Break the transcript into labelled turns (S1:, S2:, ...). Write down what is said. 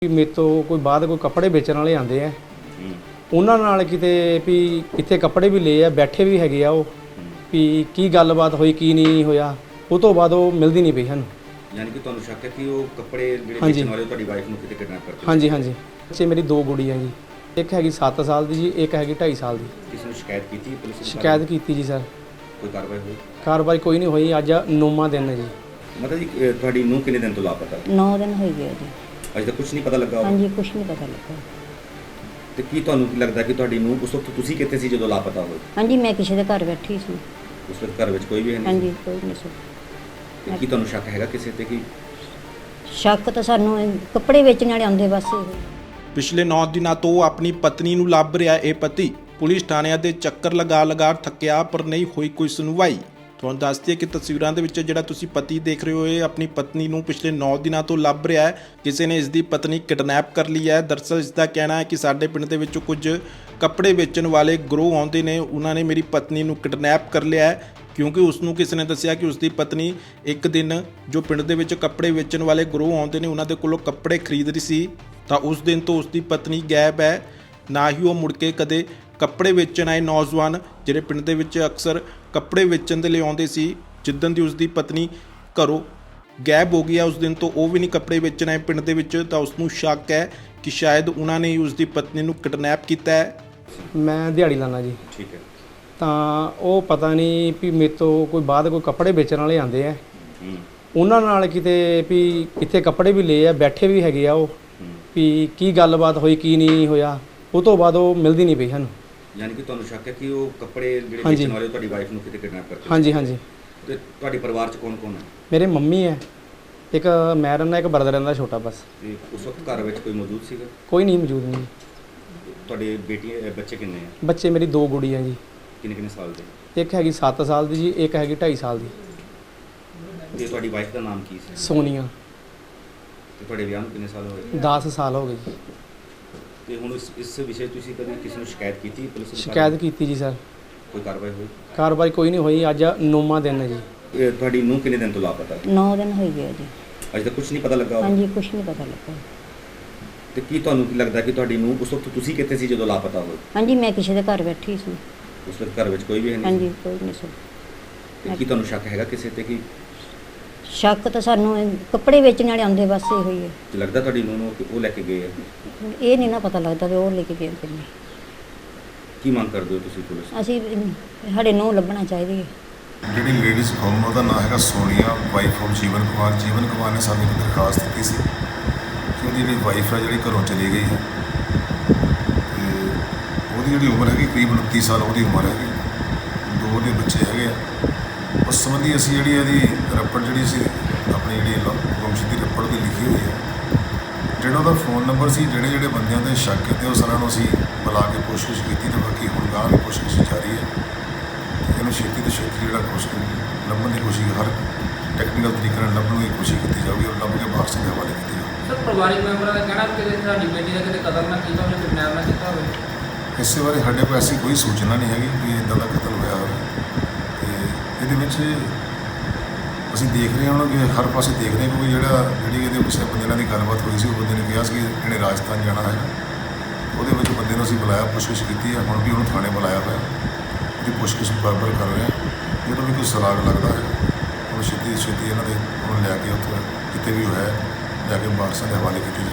S1: ਮੇਰੇ ਤੋਂ ਕੋਈ ਬਾਅਦ ਕੋਈ ਕੱਪੜੇ ਵੇਚਣ ਵਾਲੇ ਆਉਂਦੇ ਆ ਉਹਨਾਂ ਨਾਲ ਕਿਤੇ ਵੀ ਇੱਥੇ ਕੱਪੜੇ ਵੀ ਲਏ ਆ, ਬੈਠੇ ਵੀ ਹੈਗੇ ਆ ਉਹ ਵੀ ਕੀ ਗੱਲਬਾਤ ਹੋਈ ਕੀ ਨਹੀਂ ਹੋਇਆ। ਉਹ ਤੋਂ ਬਾਅਦ ਉਹ ਮਿਲਦੀ ਨਹੀਂ ਪਈ ਸਾਨੂੰ।
S2: ਯਾਨੀ ਕਿ ਤੁਹਾਨੂੰ ਸ਼ੱਕ ਹੈ ਕਿ ਉਹ ਕੱਪੜੇ ਜਿਹੜੇ ਵੇਚਣ ਵਾਲੇ ਤੁਹਾਡੀ ਵਾਈਫ ਨੂੰ ਕਿਤੇ ਕਿਡਨੈਪ ਕਰਦੇ?
S1: ਹਾਂਜੀ ਹਾਂਜੀ। ਬੱਚੇ ਮੇਰੀ ਦੋ ਗੁੜੀਆਂ ਜੀ, ਇੱਕ ਹੈਗੀ 7 ਸਾਲ ਦੀ ਜੀ, ਇੱਕ ਹੈਗੀ 2.5 ਸਾਲ ਦੀ।
S2: ਕਿਸੇ ਨੂੰ ਸ਼ਿਕਾਇਤ ਕੀਤੀ ਪੁਲਿਸ ਨੂੰ?
S1: ਸ਼ਿਕਾਇਤ ਕੀਤੀ ਜੀ ਸਰ।
S2: ਕੋਈ ਕਾਰਵਾਈ ਹੋਈ?
S1: ਕਾਰਵਾਈ ਕੋਈ ਨਹੀਂ ਹੋਈ। ਅੱਜ 9ਵਾਂ ਦਿਨ ਹੈ ਜੀ।
S2: ਮਤਲਬ ਜੀ ਤੁਹਾਡੀ ਨੂੰ ਕਿੰਨੇ ਦਿਨ ਤੋਂ ਲਾਪਤਾ?
S3: 9 ਦਿਨ ਹੋ ਗਏ ਜੀ।
S2: ਅਜੇ ਤੱਕ ਕੁਝ ਨਹੀਂ ਪਤਾ ਲੱਗਾ?
S3: ਹਾਂਜੀ, ਕੁਝ ਨਹੀਂ ਪਤਾ ਲੱਗਾ।
S2: ਤੇ ਕੀ ਤੁਹਾਨੂੰ ਲੱਗਦਾ ਕਿ ਤੁਹਾਡੀ ਨੂੰ ਉਸ ਵਕਤ ਤੁਸੀਂ ਕਿੱਥੇ ਸੀ ਜਦੋਂ ਲਾਪਤਾ ਹੋਏ?
S3: ਹਾਂਜੀ, ਮੈਂ ਕਿਸੇ ਦੇ ਘਰ ਬੈਠੀ ਸੀ।
S2: ਉਸ ਵਕਤ ਘਰ ਵਿੱਚ ਕੋਈ ਵੀ ਹੈ ਨਹੀਂ?
S3: ਹਾਂਜੀ, ਕੋਈ ਨਹੀਂ ਸੀ।
S2: ਤੇ ਕੀ ਤੁਹਾਨੂੰ ਸ਼ੱਕ ਹੈਗਾ ਕਿਸੇ ਤੇ? ਕਿ
S3: ਸ਼ੱਕ ਤਾਂ ਸਾਨੂੰ ਕੱਪੜੇ ਵੇਚਣ ਵਾਲੇ ਆਉਂਦੇ ਬਸ ਇਹੋ।
S4: ਪਿਛਲੇ 9 ਦਿਨਾਂ ਤੋਂ ਆਪਣੀ ਪਤਨੀ ਨੂੰ ਲੱਭ ਰਿਹਾ ਇਹ ਪਤੀ ਪੁਲਿਸ ਥਾਣਿਆਂ ਦੇ ਚੱਕਰ ਲਗਾ ਥੱਕਿਆ ਪਰ ਨਹੀਂ ਹੋਈ ਕੋਈ ਸੁਣਵਾਈ। ਤੁਹਾਨੂੰ ਦੱਸ ਦਈਏ ਕਿ ਤਸਵੀਰਾਂ ਦੇ ਵਿੱਚ ਜਿਹੜਾ ਤੁਸੀਂ ਪਤੀ ਦੇਖ ਰਹੇ ਹੋ ਇਹ ਆਪਣੀ ਪਤਨੀ ਨੂੰ ਪਿਛਲੇ 9 ਦਿਨਾਂ ਤੋਂ ਲੱਭ ਰਿਹਾ ਹੈ। ਕਿਸੇ ਨੇ ਇਸ ਦੀ ਪਤਨੀ ਕਿਡਨੈਪ ਕਰ ਲਈ ਹੈ। ਦਰਅਸਲ ਇਸ ਦਾ ਕਹਿਣਾ ਹੈ ਕਿ ਸਾਡੇ ਪਿੰਡ ਦੇ ਵਿੱਚ ਕੁਝ ਕੱਪੜੇ ਵੇਚਣ ਵਾਲੇ ਗਰੋਹ ਆਉਂਦੇ ਨੇ, ਉਹਨਾਂ ਨੇ ਮੇਰੀ ਪਤਨੀ ਨੂੰ ਕਿਡਨੈਪ ਕਰ ਲਿਆ ਹੈ ਕਿਉਂਕਿ ਉਸ ਨੂੰ ਕਿਸੇ ਨੇ ਦੱਸਿਆ ਕਿ ਉਸ ਦੀ ਪਤਨੀ ਇੱਕ ਦਿਨ ਜੋ ਪਿੰਡ ਦੇ ਵਿੱਚ ਕੱਪੜੇ ਵੇਚਣ ਵਾਲੇ ਗਰੋਹ ਆਉਂਦੇ ਨੇ ਉਹਨਾਂ ਦੇ ਕੋਲੋਂ ਕੱਪੜੇ ਖਰੀਦ ਰਹੀ ਸੀ ਤਾਂ ਉਸ ਦਿਨ ਤੋਂ ਉਸ ਦੀ ਪਤਨੀ ਗਾਇਬ ਹੈ। ਨਾ ਹੀ ਉਹ ਮੁੜ ਕੇ ਕਦੇ ਕੱਪੜੇ ਵੇਚਣ ਆਏ ਨੌਜਵਾਨ ਜਿਹੜੇ ਪਿੰਡ ਦੇ ਵਿੱਚ ਅਕਸਰ ਕੱਪੜੇ ਵੇਚਣ ਦੇ ਲਈ ਆਉਂਦੇ ਸੀ, ਜਿੱਦਣ ਦੀ ਉਸ ਦੀ ਪਤਨੀ ਘਰੋਂ ਗਾਇਬ ਹੋ ਗਈ ਹੈ ਉਸ ਦਿਨ ਤੋਂ ਉਹ ਵੀ ਨਹੀਂ ਕੱਪੜੇ ਵੇਚਣ ਆਏ ਪਿੰਡ ਦੇ ਵਿੱਚ। ਤਾਂ ਉਸ ਨੂੰ ਸ਼ੱਕ ਹੈ ਕਿ ਸ਼ਾਇਦ ਉਹਨਾਂ ਨੇ ਹੀ ਉਸ ਦੀ ਪਤਨੀ ਨੂੰ ਕਿਡਨੈਪ ਕੀਤਾ ਹੈ।
S1: ਮੈਂ ਦਿਹਾੜੀ ਲਾਣਾ ਜੀ।
S2: ਠੀਕ ਹੈ।
S1: ਤਾਂ ਉਹ ਪਤਾ ਨਹੀਂ ਵੀ ਮੇਰੇ ਤੋਂ ਕੋਈ ਬਾਅਦ ਕੋਈ ਕੱਪੜੇ ਵੇਚਣ ਵਾਲੇ ਆਉਂਦੇ ਆ ਉਹਨਾਂ ਨਾਲ ਕਿਤੇ ਵੀ ਇੱਥੇ ਕੱਪੜੇ ਵੀ ਲਏ ਆ, ਬੈਠੇ ਵੀ ਹੈਗੇ ਆ ਉਹ ਵੀ ਕੀ ਗੱਲਬਾਤ ਹੋਈ ਕੀ ਨਹੀਂ ਹੋਇਆ। ਉਹ ਤੋਂ ਬਾਅਦ ਉਹ ਮਿਲਦੀ ਨਹੀਂ ਪਈ ਸਾਨੂੰ।
S2: ਯਾਨੀ ਕਿ ਤੁਹਾਨੂੰ ਸ਼ੱਕ ਹੈ ਕਿ ਉਹ ਕੱਪੜੇ ਜਿਹੜੇ
S1: ਹਾਂਜੀ।
S2: ਵੇਚਣ ਵਾਲੇ ਤੁਹਾਡੀ ਵਾਈਫ ਨੂੰ ਕਿਤੇ ਕਿਡਨੈਪ ਕਰਦੇ?
S1: ਹਾਂਜੀ ਹਾਂਜੀ।
S2: ਤੇ ਤੁਹਾਡੇ ਪਰਿਵਾਰ 'ਚ ਕੌਣ ਕੌਣ ਹੈ?
S1: ਮੇਰੇ ਮੰਮੀ ਹੈ, ਇੱਕ ਮੈਂ ਰਹਿੰਦਾ, ਇੱਕ ਬਰਦਰ ਰਹਿੰਦਾ ਛੋਟਾ ਬਸ।
S2: ਤੇ ਉਸ ਵਕਤ ਘਰ ਵਿੱਚ ਕੋਈ ਮੌਜੂਦ ਸੀਗਾ?
S1: ਕੋਈ ਨਹੀਂ ਮੌਜੂਦ ਨਹੀਂ।
S2: ਤੁਹਾਡੇ ਬੱਚੇ ਕਿੰਨੇ ਆ?
S1: ਬੱਚੇ ਮੇਰੀ ਦੋ ਗੁੜੀਆਂ ਜੀ,
S2: ਕਿੰਨੇ ਸਾਲ ਦੇ?
S1: ਇੱਕ ਹੈਗੀ 7 ਸਾਲ ਦੀ ਜੀ, ਇੱਕ ਹੈਗੀ 2.5 ਸਾਲ ਦੀ।
S2: ਤੇ ਤੁਹਾਡੀ ਵਾਈਫ ਦਾ ਨਾਮ ਕੀ ਸੀ?
S1: ਸੋਨੀਆ।
S2: ਤੇ ਤੁਹਾਡੇ ਵਿਆਹ ਨੂੰ ਕਿੰਨੇ ਸਾਲ ਹੋਏ?
S1: 10 ਸਾਲ ਹੋ ਗਏ ਜੀ।
S2: ਤੇ ਹੁਣ ਇਸ ਵਿਸ਼ੇ ਤੁਸੀਂ ਕਦੇ ਕਿਸੇ ਨੂੰ ਸ਼ਿਕਾਇਤ ਕੀਤੀ ਪੁਲਿਸ ਨੂੰ?
S1: ਸ਼ਿਕਾਇਤ ਕੀਤੀ ਜੀ ਸਰ।
S2: ਕੋਈ ਕਾਰਵਾਈ ਹੋਈ?
S1: ਕਾਰਵਾਈ ਕੋਈ ਨਹੀਂ ਹੋਈ। ਅੱਜ 9ਵਾਂ ਦਿਨ ਹੈ ਜੀ।
S2: ਤੁਹਾਡੀ ਨੂੰ ਕਿੰਨੇ ਦਿਨ ਤੋਂ ਲਾਪਤਾ?
S3: 9 ਦਿਨ ਹੋ ਗਏ ਜੀ।
S2: ਅਜੇ ਤੱਕ ਕੁਝ ਨਹੀਂ ਪਤਾ ਲੱਗਾ?
S3: ਹਾਂਜੀ, ਕੁਝ ਨਹੀਂ ਪਤਾ ਲੱਗਾ।
S2: ਤੇ ਕੀ ਤੁਹਾਨੂੰ ਲੱਗਦਾ ਕਿ ਤੁਹਾਡੀ ਨੂੰ ਉਸ ਵਕਤ ਤੁਸੀਂ ਕਿੱਥੇ ਸੀ ਜਦੋਂ ਲਾਪਤਾ ਹੋਏ?
S3: ਹਾਂਜੀ, ਮੈਂ ਕਿਸੇ ਦੇ ਘਰ ਬੈਠੀ ਸੀ।
S2: ਉਸ ਵਕਤ ਘਰ ਵਿੱਚ ਕੋਈ ਵੀ ਹੈ ਨਹੀਂ?
S3: ਹਾਂਜੀ, ਕੋਈ ਨਹੀਂ ਸੀ।
S2: ਤੇ ਕੀ ਤੁਹਾਨੂੰ ਸ਼ੱਕ ਹੈਗਾ ਕਿਸੇ ਤੇ? ਕਿ
S3: ਸ਼ੱਕ ਤਾਂ ਸਾਨੂੰ ਕੱਪੜੇ ਵੇਚਣ ਵਾਲੇ ਆਉਂਦੇ ਬਸ ਇਹੋ ਹੀ ਹੈ।
S2: ਲੱਗਦਾ ਤੁਹਾਡੀ ਨੂੰ ਕਿ ਉਹ ਲੈ ਕੇ ਗਏ ਆ?
S3: ਇਹ ਨਹੀਂ ਨਾ ਪਤਾ ਲੱਗਦਾ ਵੀ ਉਹ ਲੈ ਕੇ ਗਏ ਕਿ ਨਹੀਂ।
S2: ਕੀ ਮੰਗ ਕਰਦੇ ਹੋ ਤੁਸੀਂ ਪੁਲਿਸ ਤੋਂ?
S3: ਅਸੀਂ ਸਾਡੇ ਨੂੰ ਲੱਭਣਾ ਚਾਹੀਦੀ ਹੈ।
S5: ਜਿਹੜੀ ਲੇਡੀਜ਼ ਗੁੰਮ ਉਹਦਾ ਨਾਮ ਹੈਗਾ ਸੋਨੀਆ, ਵਾਈਫ ਆਫ ਜੀਵਨ ਕੁਮਾਰ। ਜੀਵਨ ਕੁਮਾਰ ਨੇ ਸਾਨੂੰ ਇੱਕ ਦਰਖਾਸਤ ਦਿੱਤੀ ਸੀ ਕਿ ਉਹਦੀ ਜਿਹੜੀ ਵਾਈਫ ਹੈ ਜਿਹੜੀ ਘਰੋਂ ਚਲੀ ਗਈ ਹੈ ਤੇ ਉਹਦੀ ਜਿਹੜੀ ਉਮਰ ਹੈਗੀ ਕਰੀਬ 29 ਸਾਲ ਉਹਦੀ ਉਮਰ ਹੈਗੀ। 2 ਉਹਦੇ ਬੱਚੇ ਹੈਗੇ ਆ। ਉਸ ਸੰਬੰਧੀ ਅਸੀਂ ਜਿਹੜੀ ਇਹਦੀ ਰੱਪੜ ਜਿਹੜੀ ਸੀ ਆਪਣੀ ਜਿਹੜੀ ਗੁੰਮਸ਼ੁਦਗੀ ਰੱਪੜ ਦੀ ਲਿਖੀ ਹੋਈ ਹੈ। ਜਿਹੜਾ ਉਹਦਾ ਫੋਨ ਨੰਬਰ ਸੀ, ਜਿਹੜੇ ਬੰਦਿਆਂ ਦੇ ਸ਼ੱਕ ਕੀਤੇ ਉਹ ਸਾਰਿਆਂ ਨੂੰ ਅਸੀਂ ਬੁਲਾ ਕੇ ਪੁੱਛਗਿੱਛ ਕੀਤੀ ਤੇ ਬਾਕੀ ਹੁਣ ਗਾਂ ਵੀ ਪੁੱਛਗਿੱਛ ਜਾਰੀ ਹੈ। ਇਹਨੂੰ ਛੇਤੀ ਤੋਂ ਛੇਤੀ ਜਿਹੜਾ ਲੱਭਣ ਦੀ ਕੋਸ਼ਿਸ਼, ਹਰ ਟੈਕਨੀਕਲ ਤਰੀਕੇ ਨਾਲ ਲੱਭਣ ਦੀ ਕੋਸ਼ਿਸ਼ ਕੀਤੀ ਜਾਊਗੀ ਔਰ ਲੱਭ ਕੇ ਬਾਕਸ ਦੇ ਹਵਾਲੇ ਕੀਤੀ ਜਾਊਗੀ।
S6: ਸਰ, ਪਰਿਵਾਰਿਕ ਮੈਂਬਰਾਂ ਦਾ ਕਹਿਣਾ ਕਿ ਸਾਡੀ ਬੇਟੀ ਦਾ ਕਿਤੇ ਕਤਲ ਨਾ ਕੀਤਾ ਹੋਵੇ, ਕਿਡਨੈਪ ਨਾ ਕੀਤਾ ਹੋਵੇ।
S5: ਇਸੇ ਬਾਰੇ ਸਾਡੇ ਕੋਲ ਐਸੀ ਕੋਈ ਸੂਚਨਾ ਨਹੀਂ ਹੈਗੀ ਕਿ ਇੱਦਾਂ ਦਾ ਕਤਲ ਹੋਇਆ ਹੋਵੇ। ਤੇ ਇਹਦੇ ਵਿੱਚ ਅਸੀਂ ਦੇਖ ਰਹੇ ਹਾਂ ਕਿ ਹਰ ਪਾਸੇ ਦੇਖ ਰਹੇ ਕਿਉਂਕਿ ਜਿਹੜੀ ਇਹਦੇ ਕਿਸੇ ਬੰਦੇ ਨਾਲ ਦੀ ਗੱਲਬਾਤ ਹੋਈ ਸੀ ਉਹ ਬੰਦੇ ਨੇ ਕਿਹਾ ਸੀ ਕਿ ਇਹਨੇ ਰਾਜਸਥਾਨ ਜਾਣਾ ਹੈ। ਉਹਦੇ ਵਿੱਚ ਬੰਦੇ ਨੂੰ ਅਸੀਂ ਬੁਲਾਇਆ, ਪੁੱਛਗਿੱਛ ਕੀਤੀ ਹੈ। ਹੁਣ ਵੀ ਉਹਨੂੰ ਥਾਣੇ ਬੁਲਾਇਆ ਹੋਇਆ, ਉਹਦੀ ਪੁੱਛਗਿੱਛ ਬਰਾਬਰ ਕਰ ਰਹੇ ਹਾਂ। ਜਦੋਂ ਵੀ ਕੋਈ ਸੁਰਾਗ ਲੱਗਦਾ ਹੈ ਉਹਨੂੰ ਛੇਤੀ ਇਹਨਾਂ ਦੇ ਉਹਨੂੰ ਲੈ ਕੇ ਉੱਥੇ ਜਿੱਥੇ ਵੀ ਹੋਇਆ ਲੈ ਕੇ ਬਾਕਸਾਂ ਦੇ ਹਵਾਲੇ ਕੀਤੀ